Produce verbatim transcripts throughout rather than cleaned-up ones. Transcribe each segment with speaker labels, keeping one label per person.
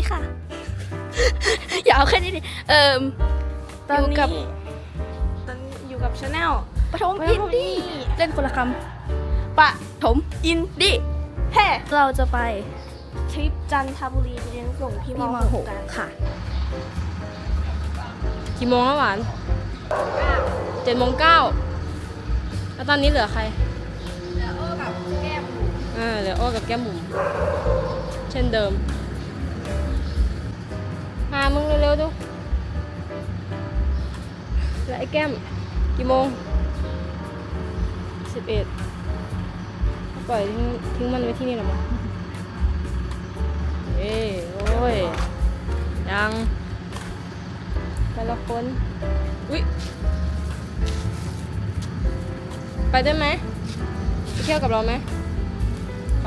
Speaker 1: ดีค่ะ อย่าเอาแค่นี้ดิเอ่อ
Speaker 2: ตอน
Speaker 1: อยู่
Speaker 2: นี้
Speaker 1: กับ
Speaker 2: ตอนนี้อยู่กับชาแนล
Speaker 1: ปฐมอินดี้เล่นคนละคำปะถมอินดี้แฮ่เราจะไป
Speaker 2: ทริปจันทบุรีไปเลี้ยงส่งพี่ม
Speaker 1: ที่ม
Speaker 2: ห
Speaker 1: ห
Speaker 2: ก
Speaker 1: ก
Speaker 2: กัน
Speaker 1: ค่ะ
Speaker 3: กี่โมงแล้วหวานเจ็ดโมงเก้าแล้วตอนนี้เหลือใคร
Speaker 1: เหลือโอ้กับแก้ม
Speaker 3: อ่าเหลือโอ้กับแก้มบุ๋มเช่นเดิมมามึงเร็วๆดูแล้วไอ้แก้มกี่โมงสิบเอ็ดปล่อยทิ้งทิ้งมันไว้ที่นี่หรอมั้งเอ้ยโอ้ยยังแต่ละคนอุ๊ยไปได้ไหมไปเที่ยวกับเราไหมไป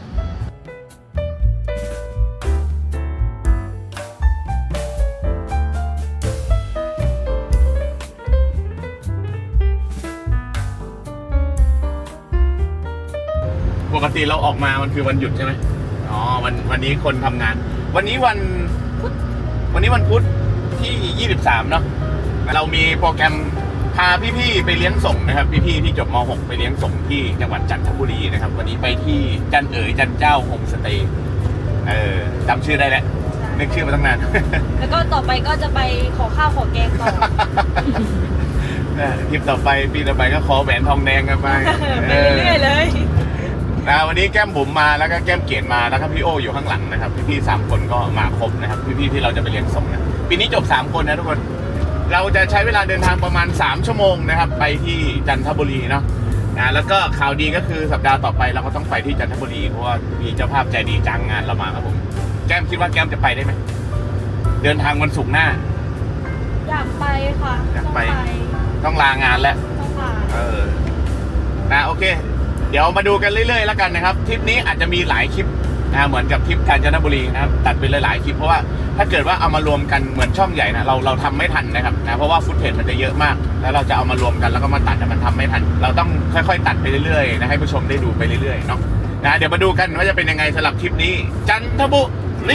Speaker 4: ปกติเราออกมามันคือวันหยุดใช่ไหมอ๋อวันวันนี้คนทำงาน วันนี้วันพุธวันนี้วันพุธที่ยี่สิบสามเนาะเรามีโปรแกรมพาพี่ๆไปเลี้ยงส่งนะครับพี่ๆที่จบม หกไปเลี้ยงส่งที่จังหวัดจันทบุรีนะครับวันนี้ไปที่จันเอ๋ยจันเจ้าโฮมสเตย์เออจำชื่อได้แล้วนึกชื่อมาตั้งนาน
Speaker 2: แล้วก็ต่อไปก็จะไปขอข้าวขอแกงต่อ
Speaker 4: ทริปต่อไปปีต่อไปก็ขอแหวนทองแดงกันไป
Speaker 2: ไปเรื่อยๆเลย
Speaker 4: นะวันนี้แก้มบุ๋มมาแล้วก็แก้มเกียรติมาแล้วก็พี่โออยู่ข้างหลังนะครับพี่ๆสามคนก็มาครบนะครับพี่ๆที่เราจะไปเรียนส่งนะปีนี้จบสามคนนะทุกคนเราจะใช้เวลาเดินทางประมาณสามชั่วโมงนะครับไปที่จันทบุรีเนาะนะแล้วก็ข่าวดีก็คือสัปดาห์ต่อไปเราก็ต้องไปที่จันทบุรีเพราะว่ามีเจ้าภาพใจดีจ้างงานเรามาครับผมแก้มคิดว่าแก้มจะไปได้ไหมเดินทางวันศุกร์หน้า
Speaker 2: อยากไปค่ะ
Speaker 4: อยากไป
Speaker 2: ต้อง
Speaker 4: ต้องลางานแล้ว
Speaker 2: ต้องไป
Speaker 4: เออนะโอเค เดี๋ยวมาดูกันเรื่อยๆแล้วกันนะครับทริปนี้อาจจะมีหลายคลิปนะเหมือนกับทริปกาญจนบุรีนะครับตัดไปหลายๆคลิปเพราะว่าถ้าเกิดว่าเอามารวมกันเหมือนช่องใหญ่นะเราเราทำไม่ทันนะครับนะเพราะว่าฟุตเทจมันจะเยอะมากแล้วเราจะเอามารวมกันแล้วก็มาตัดแต่มันทำไม่ทัน เราต้องค่อยๆตัดไปเรื่อยๆนะให้ผู้ชมได้ดูไปเรื่อยๆเนาะนะเดี๋ยวมาดูกันว่าจะเป็นยังไงสำหรับคลิปนี้ จันทบุรี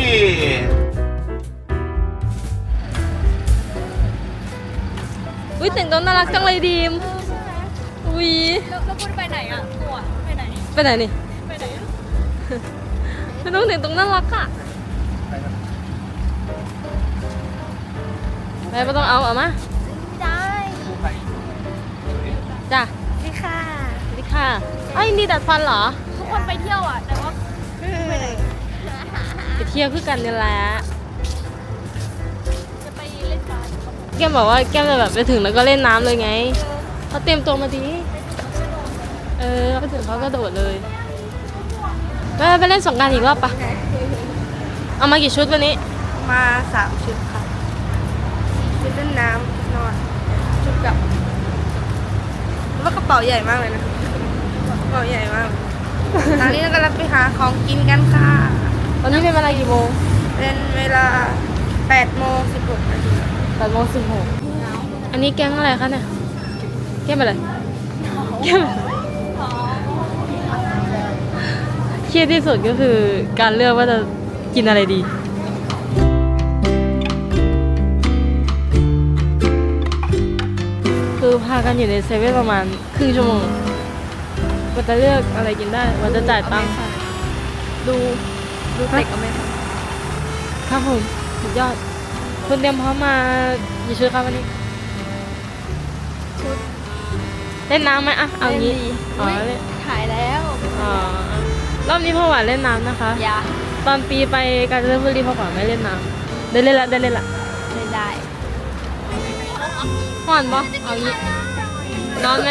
Speaker 3: อุ้ยแต่งตัวน่ารักจังเลยดีมอุ้ย
Speaker 1: แล้วแล้วพูดไปไหนอ่ะตัวไปไหน
Speaker 3: ไปไหนนี่
Speaker 1: ไปไหนอะ
Speaker 3: ไม่ต้องแต่งตัวน่ารักอ่ะไปไม่ต้องเอาเอามา
Speaker 1: ไม่ได้
Speaker 3: จ้ะ
Speaker 1: นี่ค่ะ
Speaker 3: สวัสดีค่ะไอ้ยนี่ดัดฟันเหรอ
Speaker 1: ทุกคนไปเที่ยวอ่ะแต่ว่าไปไหน
Speaker 3: ไปเที่ยวคือกันนี่แหละ
Speaker 1: จะไปเล่นบาส
Speaker 3: แก้มบอกว่าแก้มจะแบบไปถึงแล้วก็เล่นน้ำเลยไงเขาเตรียมตัวมาดีเออไปถึงเขาก็โดดเลยไปไปเล่นสงกรานต์อีกรอบปะเอามากี่ชุดวันนี้
Speaker 2: มาสามชุดค่ะชุดเล่นน้ำนอนชุดกลับว่ากระเป๋าใหญ่มากเลยนะกระเป๋าใหญ่มากตอนนี้เรากำลังไปหาของกินกันค่ะ
Speaker 3: ตอนนี้เป็นเวลากี่โมง
Speaker 2: เป็นเวลาแปดโมงสิบหกนาที
Speaker 3: แปดโมงสิบหกอันนี้แก๊งอะไรคะเนี่ยแก้มอะไรแก้มอะไรเครียดที่สุดก็คือการเลือกว่าจะกินอะไรดีคือพากันอยู่ในเซเว่นประมาณครึ่งชั่วโมงกว่าจะเลือกอะไรกินได้กว่าจะจ่ายตังค์ดู
Speaker 2: ดูเด็กก็ไม่ท
Speaker 3: ครับผมสุดยอดคุณเตรียมพร้อมมากี่ชุดครับวันนี้
Speaker 2: ชุด
Speaker 3: เล่นน้ำไหมอ่ะเอางี้อ๋อ
Speaker 1: อุ๊ย
Speaker 3: เล่น
Speaker 1: ถ่ายแล้ว
Speaker 3: อ๋อรอบนี้พ่อหวานเล่นน้ำนะคะ
Speaker 1: อย่า
Speaker 3: ตอนปีไปกาญจนบุรีพ่อหวานไม่เล่นน้ำได้เล่นละได้เล่นละ
Speaker 1: ไม่ได้
Speaker 3: พ่อหวานปะเอางี้นอนไหม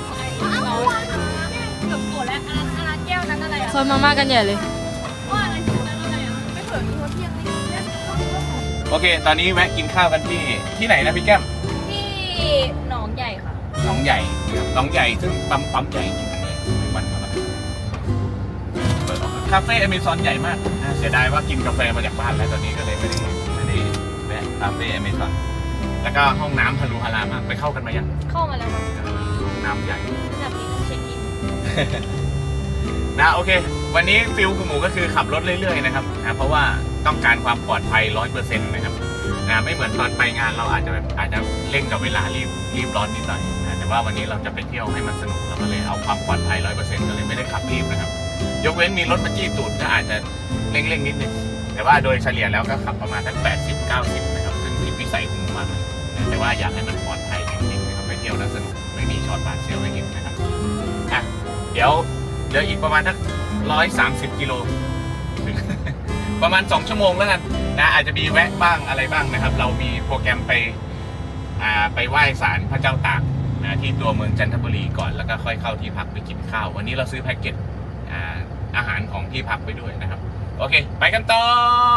Speaker 1: กับโกรธแล้วอันนั้นอันนั้นแก้วนั้นอะไรอ่ะ
Speaker 3: ซอยมาม่ากันใหญ่เลย
Speaker 1: ว่าอะไรถึงนั้นอะไรอ่ะไม่เผื่อมีคนเที่ยงนี่
Speaker 4: โอเค ตอนนี้แวะกินข้าวกันที่ที่ไหนนะพี่แก้ม
Speaker 1: ที่หนองใหญ่ค่ะ
Speaker 4: หนองใหญ่นะครับหนองใหญ่ซึ่งปั๊มปั๊มใหญ่จริงๆเลยวันธรรมดาเปิดออกมาคาเฟ่อเมซอนใหญ่มากนะเสียดายว่ากินกาแฟมาจากบ้านแล้วตอนนี้ก็เลยไม่ได้ไม่ได้แวะคาเฟ่อเมซอนแล้วก็ห้องน้ำทะลุฮารามากไปเข้ากันมายัง
Speaker 1: เข้ามาแล้วค่ะ
Speaker 4: ห้องน้ำใหญ่
Speaker 1: ระดับนี้ต้องเช็คอิน
Speaker 4: นะโอเควันนี้ฟิลคุณหมูก็คือขับรถเรื่อยๆนะครับนะเพราะว่าต้องการความปลอดภัยร้อยเปอร์เซ็นต์นะครับนะไม่เหมือนตอนไปงานเราอาจจะแบบอาจจะเร่งกับเวลารีบรีบร้อนนิดหน่อยนะแต่ว่าวันนี้เราจะไปเที่ยวให้มันสนุกเราก็เลยเอาความปลอดภัยร้อยเปอร์เซ็นต์ก็เลยไม่ได้ขับรีบนะครับยกเว้นมีรถมาจี้ตูดก็อาจจะเร่งๆนิดนึงแต่ว่าโดยเฉลี่ยแล้วก็ขับประมาณทั้งแปดสิบเก้าสิบนะครับซึ่งผิดวิสัยคุณหมูมากเลยนะแต่ว่าอยากให้มันปลอดภัยจริงๆนะครับไปเที่ยวแล้วสนุกไม่มีช็อตบาดเสียวให้เห็นนะครับอ่ะเดี๋ยวเหลืออีกประมาณสักร้อยสามสิบกิโลถึง ประมาณสองชั่วโมงแล้วกันนะอาจจะมีแวะบ้างอะไรบ้างนะครับ เรามีโปรแกรมไปอ่าไปไหว้ศาลพระเจ้าตากนะที่ตัวเมืองจันทบุรีก่อนแล้วก็ค่อยเข้าที่พักไปกินข้าววันนี้เราซื้อแพ็กเกจอ่าอาหารของที่พักไปด้วยนะครับโอเคไปกันต่อ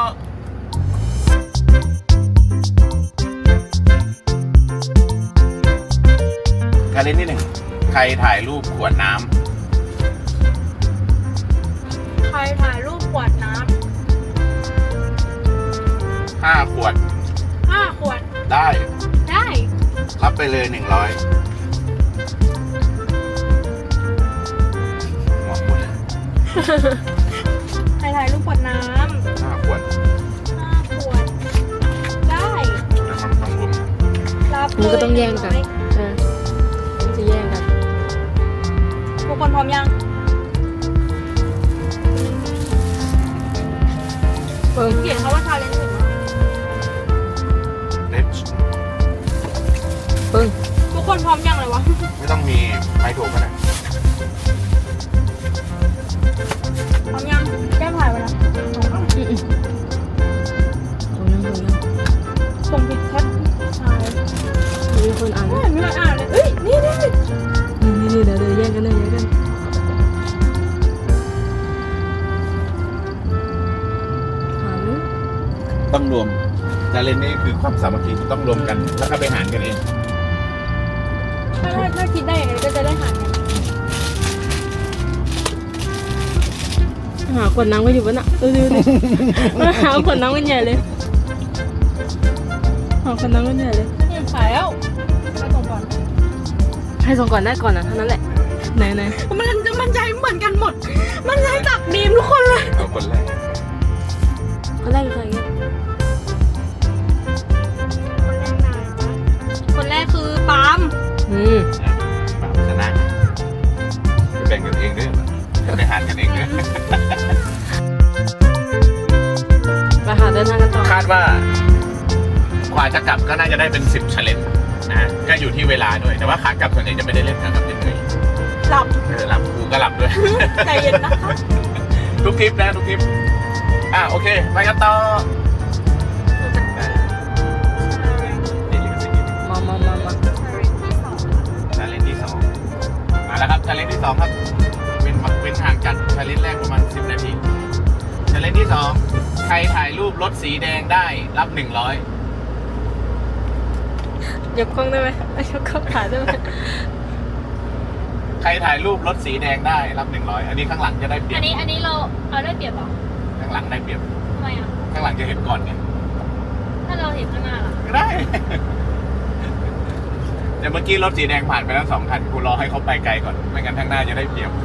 Speaker 4: การเล่นที่หนึ่งใครถ่ายรูปขวดน้ำ
Speaker 1: ใครถ่ายรูปขวดน้
Speaker 4: ห้าขวด
Speaker 1: ำห้าขวด
Speaker 4: ได้
Speaker 1: ได้
Speaker 4: รับไปเลยหนึ่งร้อยหัวขวด
Speaker 1: ใครถ่ายรูปขวดน้
Speaker 4: ห้าขวด
Speaker 1: ำห้าขวด ได้
Speaker 4: แล้วมันต้องรวม
Speaker 1: รับเลย
Speaker 3: มันก็ต้องแย่งกันเออมันจะแย่งกัน
Speaker 1: ทุกคนพร้อมยัง
Speaker 3: เปิ้ง
Speaker 1: เขียนเขาว่าชาเลนจ์ถึง
Speaker 4: เด็ด
Speaker 3: เปิ้ง
Speaker 1: ทุกคนพร้อมยังเลยวะ
Speaker 4: ไม่ต้องมีใครถูกกันนะ
Speaker 1: พร้อมยังแก้มถ่ายไปแล้ว
Speaker 3: อืมอืมเอายังเอายัง
Speaker 1: ส่งผิดแคปถ่าย
Speaker 3: มีคนอ่าน
Speaker 1: ไม่เห็นมีใครอ่านเลยเอ้ย นี่นี่
Speaker 3: นี่นี่นี่เดี๋ยวเดี๋ยวแย่งกันเลยแย่งกันถาม
Speaker 4: ต้องรวมจะเล่นนี่คือความสามัคคีต้องรวมกันแล้วก็ไปหารกันเอง
Speaker 1: ถ้าถ้าถ้าคิดได้อย่างไรก็จะได้หารกัน
Speaker 3: หาขวดน้ำก็อยู่บนน่ะดูดูดิมาหาขวดน้ำกันใหญ่เลยหาขวดน้ำกันใหญ่เลย
Speaker 1: นี่ขายแล้วมาส่งก่อน
Speaker 3: ให้ส่งก่อนได้ก่อนนะเท่านั้นแหละไหนไหน
Speaker 1: มันจะมันใจเหมือนกันหมด มันใจตักดีมทุกคนเลย
Speaker 4: เอาคนแรก
Speaker 3: คนแรกคือใครเนี่ย
Speaker 1: คนแรกคือปาล์ม
Speaker 3: อืม
Speaker 4: แบบชนะแบ่งกันเองด้วยไปหารกันเองด้วย
Speaker 3: ไปหาเดินทางกันต่อ
Speaker 4: คาดว่ากว่าจะกลับก็น่าจะได้เป็นสิบชาเลนจ์นะก็อยู่ที่เวลาด้วยแต่ว่าขากลับส่วนใหญ่จะไม่ได้เล่นขากลับเฉย
Speaker 1: หลับ
Speaker 4: ๆเออหลับกูก็หลับด้วย
Speaker 1: ใจเย็นนะคะ
Speaker 4: ทุกทริปนะทุกทริปอ่ะโอเคไปกันต่อนี่ลิขสิทธิ์
Speaker 3: มามามามา
Speaker 4: ชาเลนจ์ที่สองมาแล้วครับชาเลนจ์ที่สองครับเป็นเป็นห่างจากชาเลนจ์แรกประมาณสิบนาทีชาเลนจ์ที่สองใครถ่ายรูปรถสีแดงได้รับหนึ่งร้อย
Speaker 3: ยกกล้องได้ไหมยกกล้องถ่ายได้ไหม
Speaker 4: ใครถ่ายรูปรถสีแดงได้รับหนึ่งร้อยอันนี้ข้างหลังจะได้เปรีย
Speaker 1: อั
Speaker 4: บ
Speaker 1: นนี้อันนี้เราเอาได้เปรียบเหรอ
Speaker 4: ข้างหลังได้เปรียบ
Speaker 1: ทำไมอ่ะ
Speaker 4: ข้างหลังจะเห็นก่อนไง
Speaker 1: ถ้าเราเห็นข้างหน้าล่ะ
Speaker 4: ก็ได้ แต่เมื่อกี้รถสีแดงผ่านไปแล้วสองคันกูรอให้เขาไปไกลก่อนไม่งั้นข้างหน้าจะได้เปรียบ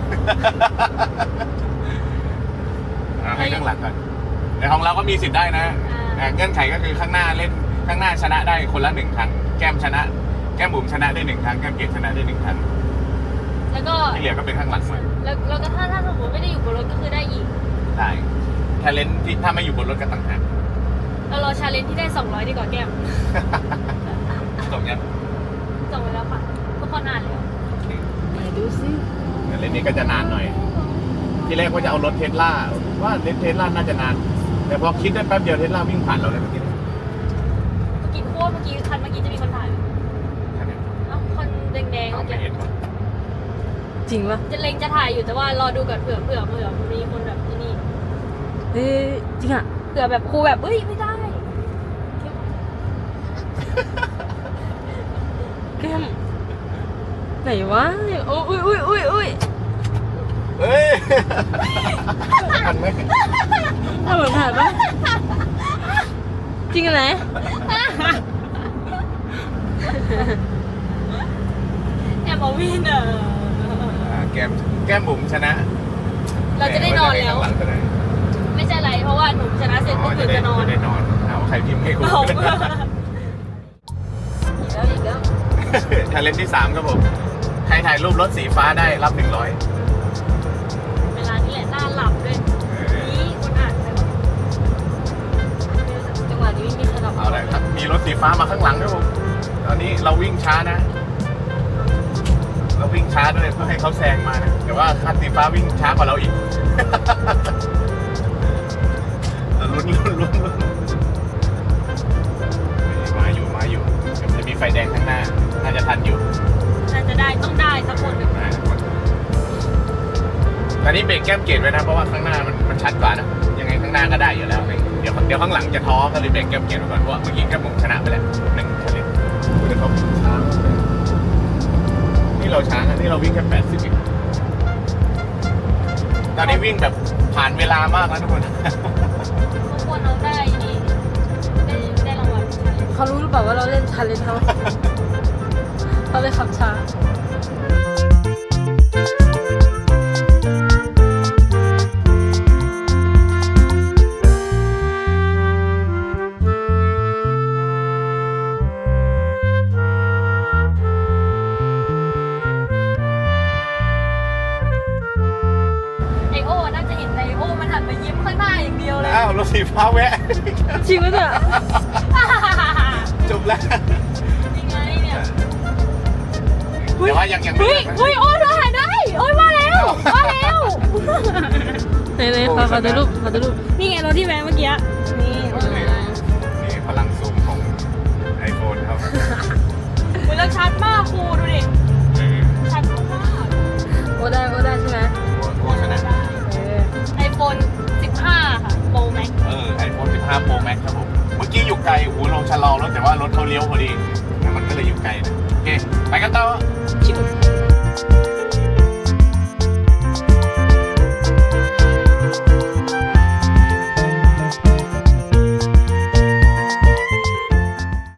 Speaker 4: เอาให้ข้างหลังก่อนแต่ของเราก็มีสิทธิ์ได้นะอ่าเงื่อนไขก็คือข้างหน้าเล่นข้างหน้าชนะได้คนละหนึ่งครั้งแก้มชนะ แก้มบุ๋มชนะได้หนึ่งครั้งแก้มเกศชนะได้หนึ่งครั้ง
Speaker 1: แล้วก็
Speaker 4: ที่เหลือก็เป็นข้างหลังหมด
Speaker 1: แล้วแล้วก็ถ้าถ้าสมมติไม่ได้อยู่บนรถก็คือได้อีก
Speaker 4: ได้ถ้าเล่นที่ถ้าไม่อยู่บนรถก็ต่างหาก
Speaker 1: เรารอชาเลนจ์ที่ได้สองร้อยดีกว่าแก้ม
Speaker 4: ตรงนี้
Speaker 1: ส่งไปแล้วค่ะทุกคนอ่านแล้ว
Speaker 3: ไหนดูสิ
Speaker 4: แต่เล่นนี้ก็จะนานหน่อย ที่แรกว่าจะเอารถเทสลาว่าเล่นเทสลาน่าจะนาน แต่พอคิดได้แป๊บเดียวเทสลาวิ่งผ่านเราเลยเมื่อกี้
Speaker 1: เมื่อกี้โคตรเมื่อกี้คันเมื่อกี้จะมีคนถ่ายไหมเอ้าคนแดงๆ
Speaker 4: เอา
Speaker 1: เมื่อ
Speaker 4: ไม่
Speaker 1: กี้
Speaker 4: เห็นว่ะ
Speaker 3: จริงปะ
Speaker 1: จะเล็งจะถ่ายอยู่แต่ว่ารอดูก่อนเผื่อเผื่อเผื่อมีคนแบบที่นี่
Speaker 3: เฮ้ยจริงอ่ะ
Speaker 1: เผื่อแบบครูแบบเอ้ยไม่ได้
Speaker 3: แก้มไหนวะโอ้ยอุ้ยอุ้ยอุ้ย
Speaker 4: เฮ้ย ทันไหม
Speaker 3: ถ้าเหมือนถ่ายปะจริงอะไหน
Speaker 1: แอบมาวินเออ
Speaker 4: อ่าแก้มแก้มบุ๋มชนะ
Speaker 1: ร
Speaker 3: เราจะได้นอนแล้ว
Speaker 4: ข้างหลังจะได้
Speaker 3: ไม่ใช่ไรเพราะว่าหนูชนะเสร็จ
Speaker 4: อ๋
Speaker 3: ก็
Speaker 4: อ
Speaker 3: คื
Speaker 4: จะ
Speaker 3: อ
Speaker 4: ได้
Speaker 3: จะนอน
Speaker 4: จะได้นอนเอาใครพิมพ์ให้กู
Speaker 3: เอาอีกแล้วอีกแล้ว
Speaker 4: ชาเลนจ์ที่สามครับผมใครถ่ายรูปรถสีฟ้าได้รับหนึ่งร้อย
Speaker 3: เวลานี้แหละน่าหลับด้วยนี่คนอ่านไปว่าจังหวะนี้ไม่มีใครหลับ
Speaker 4: เอาเลยครับ มีรถสีฟ้ามาข้างหลังด้วยผมตอนนี้เราวิ่งช้านะ เราวิ่งช้าด้วยเพื่อให้เขาแซงมานะแต่ว่าคันสีฟ้าวิ่งช้ากว่าเราอีก เราลุ้นลุ้นลุ้นลุ้นมาอยู่มาอยู่เดี๋ยวมันจะมีไฟแดงข้างหน้าน่าจะทันอยู่
Speaker 3: น่าจะได้ต้องได้สักคนหนึ่ง
Speaker 4: ได้ทุกคนตอนนี้เบรกแก้มเกตไว้นะ เพราะว่าข้างหน้ามันมันชัดกว่านะยังไงข้างหน้าก็ได้อยู่แล้ว เดี๋ยวเดี๋ยวข้างหลังจะท้อก็เลยเบรกแก้มเกตไว้ก่อนเพราะว่าเมื่อกี้แก้มผมชนะไปแล้วหนึ่งคะแนนเดี๋ยวเขาช้านี่เราช้านะนี่เราวิ่งแค่แปดสิบเองตอนนี้วิ่งแบบผ่านเวลามากแล้วทุกคน
Speaker 3: ทุกคนเราได้นี่ได้ได้รางวัล
Speaker 2: เขารู้หรือเปล่าว่าเราเล่นชาเลนจ์เขาเขาเลยขับช้า
Speaker 3: ไอโอน่าจะเห็นไอโอมันหันมายิ้มข้างหน้าอย่างเดียวเลย
Speaker 4: อ้าวรถสีฟ้าแวะ
Speaker 2: จริงไหมเนี่ย
Speaker 4: จบแล้ว
Speaker 3: ยังไงเนี่ย
Speaker 4: แต่ว่ายังยังไม่
Speaker 3: เฮ้ย
Speaker 4: จบนะ
Speaker 3: เฮ้ยโอ้เราหายได้โอ้ยมาแล้วมาแล้ว
Speaker 2: ไหนๆขอขอดูรูปขอดูรูป
Speaker 3: นี่ไงรถที่แวะเมื่อกี้นี่โอ้ย
Speaker 4: นี่พลังซูมของไอโฟนครับ
Speaker 3: คุณแล้วชัดมากครูดูดิชัดมาก
Speaker 2: โอ้ได้โอ้ได้ใช่ไหม
Speaker 4: โฆษณา
Speaker 2: เออ
Speaker 3: ไอโฟนสิบห้าค่ะโปรแม็ก
Speaker 4: เออไอโฟนสิบห้า Pro Max ครับผม เมื่อกี้อยู่ไกลโอ้โหลงชะลอรถแต่ว่ารถเขาเลี้ยวพอดี มันก็เลยอยู่ไกลนะ โอเค ไปกันต่อ
Speaker 3: ชิว